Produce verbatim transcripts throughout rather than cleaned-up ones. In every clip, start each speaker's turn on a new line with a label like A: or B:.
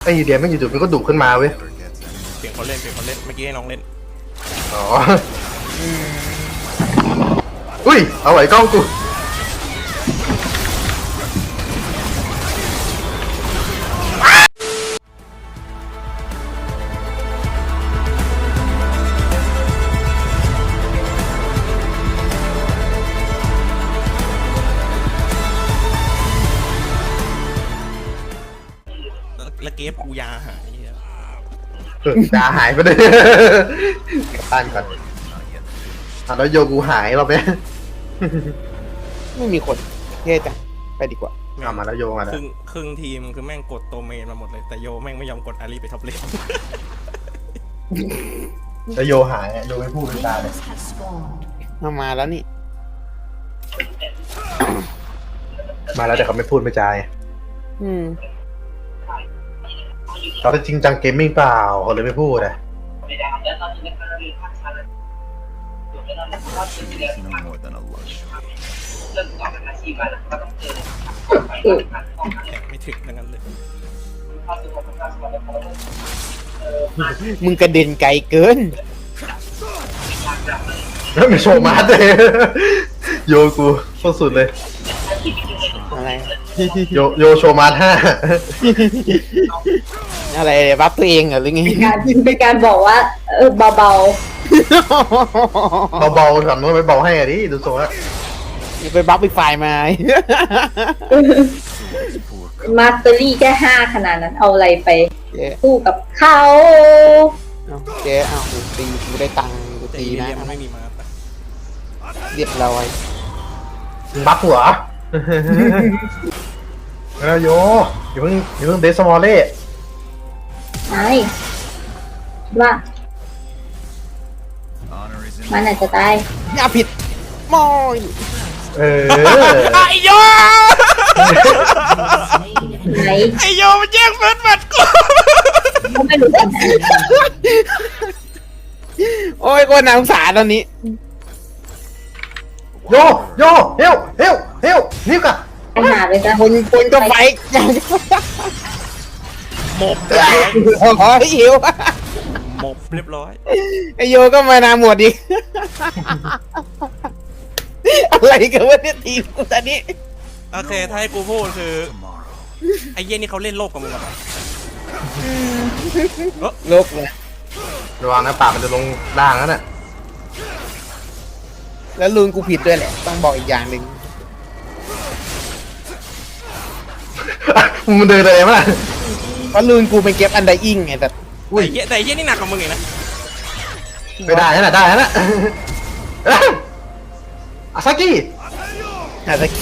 A: ไอ้เดียไม่อยู่ๆมันก็ดุขึ้นมาเว้ย
B: เปลี่ยนคนเล่นเปลี่ยนคนเล่นเมื่อกี้ให้น้องเล่น
A: อ๋ออุ้ยเอาไว้กล้องกู
B: แล้วเกฟกูยาหายเหี้ย
A: เออตาหายไปเลยกลับบ้านก่อนอ่ะแล้วโยกูหายเราไป
C: ไม่มีคนเท่จังไปดีกว่า
B: แม่ง
A: เอามาแล้วโยมาแล้ว
B: ครึ่งครึ่งทีมคือแม่งกดตัวเมนมาหมดเลยแต่โยแม่งไม่ยอมกดอารีไปท็อปเลน
A: แล้วโยหายอ่ะโยไม่พูดเป็นตาเลย
C: มามาแล้วนี่
A: มาแล้วแต่เขาไม่พูดไม่จาย
C: อืม
A: เขาจะจริงจังเกมมิ่งเปล่าเขาเลยไม่พูดอ่ะ
D: no more than a luxury.
B: แข่งไม่ถึงทั้งนั้นเลย
C: มึงกระเด็นไกลเกิน
A: แล้วมีโชว์มาร์ทเลย โยกูโคตรสุดเลย
C: อะไร
A: โยโยโชว์มาร์ทห้า
C: อะไรบัฟตัวเองเหรอหรือไง
E: เป็นการเป็นการบอกว่าเออเบา
A: เบาๆก่อนมันไปเบาให้อ่ะดิดูโซ่ละ
C: อย่าไปบัฟอีกฝ่ายมา
E: ๆมาสเตอรี่แค่ห้าขนาดนั้นเอาอะไรไป
C: เจ๊
E: สู้กับเขา
C: เอาเจ๊เอากูตีกูได้ตังค์กู
B: แต่
C: ตี
B: อี
C: นะ
B: เลียมันไม่มีมาปะ
C: เรียบร้อย
A: บัฟหัว แล้วโยอย่าเพิ่งอย่าเพิ่งเดสมอลเล่
E: ไอ้ว่า
D: Honor is in
E: มันอาจจะตาย
C: อย่าผิดมอย
A: เออ
B: ไอโย
E: ไหน
B: ไอโยมันแย่งเฟิร์สบัตรกู
E: ก็ไม่รู้กันนะ
C: โอ้ยก็น่าสงสารตอนนี้
A: โยโยเฮลเฮลเฮลนี่กะ
E: ไปหาไปซะ
C: คนคนก็ไฟอย่าง
B: หมบเรียบร้อย
C: โอ้ยหิว
B: หมบเรียบร้อย
C: ไอโยก็มานาหมดอีก อะไรกันวะเนี่ยทีมกูตอนนี้
B: โอเคถ้าให้กูพูดคือ
D: tomorrow.
B: ไอเย็นนี่เขาเล่นโลกกับมึงเหรอ
C: โลกเลย
A: ระวังนะปากมันจะลงด่างนั่นน่ะ
C: แล้วลุนกูผิดด้วยแหละ ต้องบอกอีกอย่างหนึ่ง
A: มันเดินอะไรมา
C: เพราะลุนกูเป็นเก็บอันไดอิงไงแต่
B: แต่ไอ้เหี้ยแต่ไอ้เย็นนี่หนักกว่ามึงอีกนะ
A: ไม่ได้นั่นน่ะได้นั่นน่ะอาซากิ
C: อาจจะ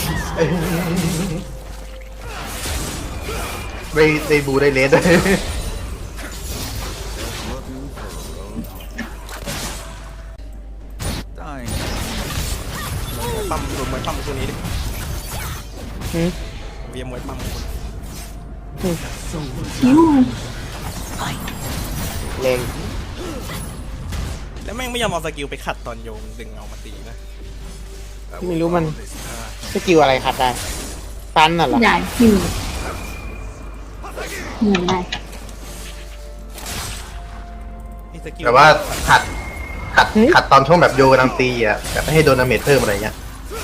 A: ไปไปบูได้เลสด้วย
D: Dying.
B: ปั๊มรวมมวยปั๊มตัวนี้ดิ
C: หืม
B: เวียมวยปั๊มคน
C: แรง
B: แล้วแม่งไม่ยอมเอาสกิลไปขัดตอนโยมดึงเอามาตีนะ
C: ไม่รู้มันสกิลอะไรขัดได้ตันน่ะเหรอ
E: ได้ที่มีมีได้
B: ไอ้สกิล
A: แต่ว่าขัดขัดขัดตอนช่วงแบบโยกำลังตีอ่ะแบบไม่ให้โดนดาเมจเพิ่มอะไรเงี้ย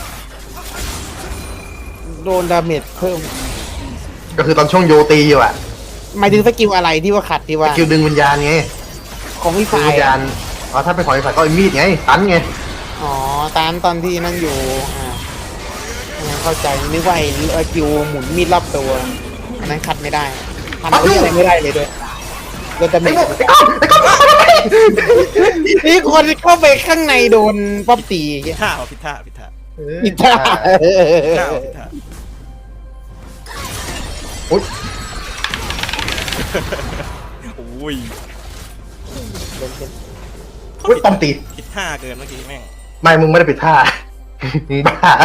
C: โดนดาเมจเพิ่ม
A: ก็คือตอนช่วงโยตีอยู่อ่ะ
C: หมายถึงสกิลอะไรที่ว่าขัดที่ว่า
A: คิวดึงวิญญาณไง
C: ของพี่
A: ดึง
C: ฝ่าย
A: วิญญาณอ๋อถ้าเป็นของไอ้ฝ่ายก็ไอ้มีดไงตันไง
C: อ๋อตันตอนที่นั่นอยู่อ่าอันนั้นเข้าใจนึกว่าไอ้สกิลหมุนมีดรอบตัวอันนั้นขัดไม่ได้ทำอะไรไม่ได้เลยด้วยโดนดาเม
A: ไอ้
C: จ
A: โง่ไอ้ก้องไอ้ก้อง
C: นี่คนเข้าไปข้างในโดนป๊อปตี
B: ผิดท่าเอาผิดท่าผิดท่า
C: อิท่า
B: ผิดท่าเอาผิดท่า
A: อุ๊ย
B: อุ้ย
A: อุ๊ยป้อมตี
B: ผิดท่าเกินเมื่อกี้แม่ง
A: ไม่มึงไม่ได้ปิดท่า มึงบ้า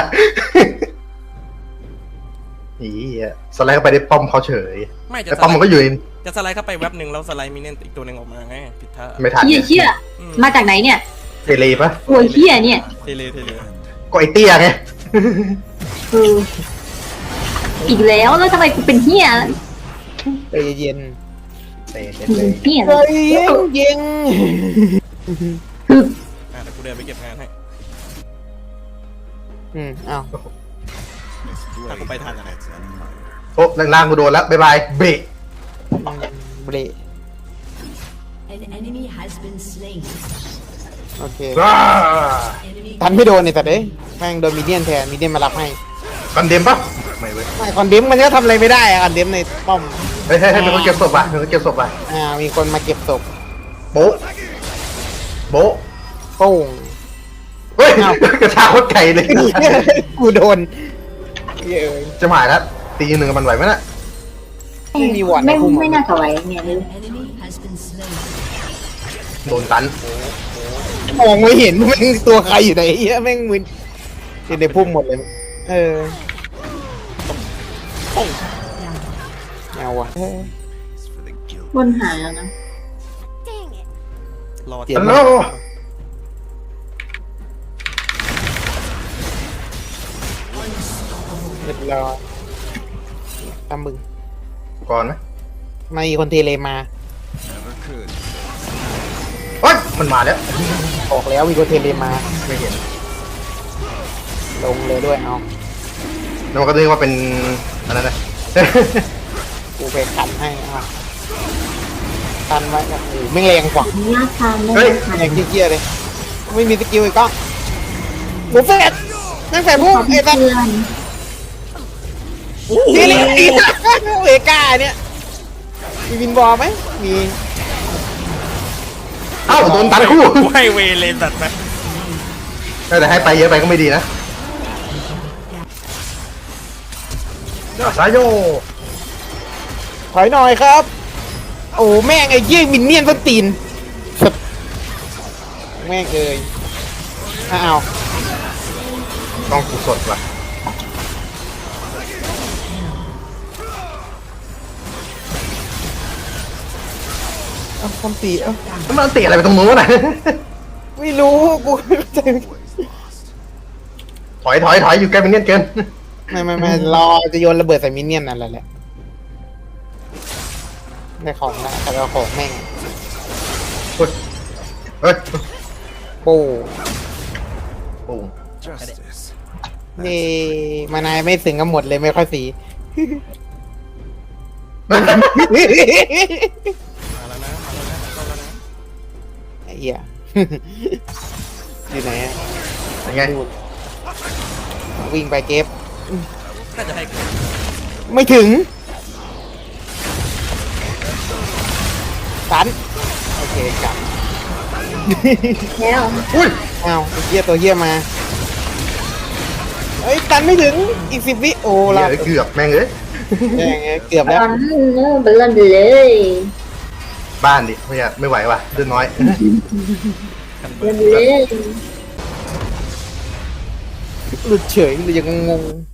A: อีอ่ะสไลด์เข้าไปได้ป้อมเขาเฉย
B: ไม่จะ
A: แต่
B: ส
A: ป้อม
B: ไล
A: มันก็
B: ด์
A: อยู่ใน
B: จะสไลด์เข้าไปแว็บหนึ่งแล้วสไลด์มีเน่นอีกตัวหนึ่งออกมาไงผิดท่า
A: ไม่ทัน
E: เฮียเชี่ยมาจากไหนเนี่ย
A: เทเลปะ
E: ตัวเฮียเนี่ย
B: เทเลเทเล
A: ก็ไอเตี้ยไง
E: คืออีกแล้วแล้วทำไมกูเป็นเฮีย
C: ใจเย็น
A: เตะเตะ
E: หมุนเปลี่ยน
C: เฮ้ยยิงยิง
B: อ่ะแต่กูเดินไปเก็บงานให้
C: อืมอ้าว
D: Miss
B: Aku
D: Blade
B: bay tahanนะ
D: that's admired.
A: โอ้ล่างๆกูโดนแล้วบ๊ายบายเบรก
C: เบร
F: An enemy has been slain.
C: โอเค
A: ว้า
F: Enemy
C: ทันไม่โดนเนี่ยแต่เด้ยแม่งโดนมีเดียนแทนมีเดียนมารับให้
A: กันเดมปะไม่เว้ย
C: ไม่คอนเดมมันก็ทำอะไรไม่ได้อะคอนเดมในป้อม
A: เฮ้ยเฮ้ยเฮ้ยเป็นคนเก็บศพอ่ะเป็นคนเก็บศพอ่ะ
C: อ่ามีคนมาเก็บศพ
A: โบ๊ะโบ๊ะ
C: โป้ง
A: เฮ้ย
C: อ้าว
A: กระชากโคตรไก่เลย
C: กูโดนเย้ย
A: จะหมายแล้วตีหนึ่งกับมันไหวไหมน่ะ
C: ไม่มีวอร์ดใน
E: ไม่
C: พุ่ม
E: ไม่น่าจะไหวเนี่ยเลย
F: enemy has been slain.
A: โดนตัน
C: มองไม่เห็นแม่งตัวใครอยู่ไหนเหี้ยแม่งมึนอยู่ในพุ่มหมดเลย เออเอาวะเออ
D: It's for the guilt.
E: บนหายแล้วนะ
B: รอ
C: เจ็บ
A: ฮัลโหล
C: เรียบร้อยตามมึง
A: ก่อนไหม
C: มามีคนเทเลมา
D: Never could.
A: เฮ้ยมันมาแล้ว
C: ออกแล้วมีคนเทเลมา
A: ไม่เห็น
C: ลงเลยด้วยเอา
A: แล้วมันก็นึกว่าเป็นอันนั้นนะ
C: กูไปขันให้เอาขันไว้โอ้โหไม่งแรงกว่า
E: อนุญาตทำได้
A: เฮ้ย
E: ไหม
C: แรงเกี้ยๆเลย ไม่มีสกิลอีกก็หมูแฟดนั่งแฟดพุ่ง
E: ขอ
C: ไอ้
E: เพื่
C: สั
E: อ
C: ส
E: น
C: เทเลตีเวก้าเนี่ยมีวินบอลไหมมี
A: เอ้าโดนตันคู่
B: กูให้เวเลนตัดไป
A: แต่ให้ไปเยอะไปก็ไม่ดีนะสายโย
C: ถอยหน่อยครับ โอ้แม่งไอ้เยี่ยมินเนี่ยนต้นตีนสัสแม่งเอ้ยอ้าว
A: ต้องกูสดว่ะ
C: เอาคำตีเอ้า
A: แล้วมันตีอะไรไปตรงนู้นน่ะ
C: ไม่รู้กูไม่เข้าใจ
A: ถอยถอยถอยอยู่ใกล้เป็นเงี้ยเกิน
C: ไม่ไม่ไม่รอจะโยนระเบิดใส่มินเนี่ยนนั่นแหละแหละได้ของละแต่เราของแม่ง
A: เฮ้ยเฮ้ย
C: โป้
A: โอ้
D: Justice.
C: นี่มานายไม่สึงกันหมดเลยไม่ค่อยสี
B: มาแล้วนะมาแล้วนะเข้าแล้วนะ
C: ไอ้เหี้ย อยู่ไหนอะ
A: ยังไง
C: นู่นวิ่งไปเก็บ
B: น่าจะให้กู
C: ไม่ถึงตันโอเคกลับ
E: แล้ว
A: อุ้ย
C: อ้าวไอ้เหี้ยตัวเหี้ยมาเอ้ยตันไม่ถึงอีกสิบวิโอ้
A: เหี้
C: ลาย
A: เกือบแม่งเอ้ย
C: แม่งเอ้ยเกือบ
E: ต
C: แล้ว
E: อนเนื้อบอลลอนเลย
A: บ้านดิไม่อยากไม่ไหวว่ะเดือนน้อย
E: เล่นเลย
C: หลุดเฉยหรือยังงง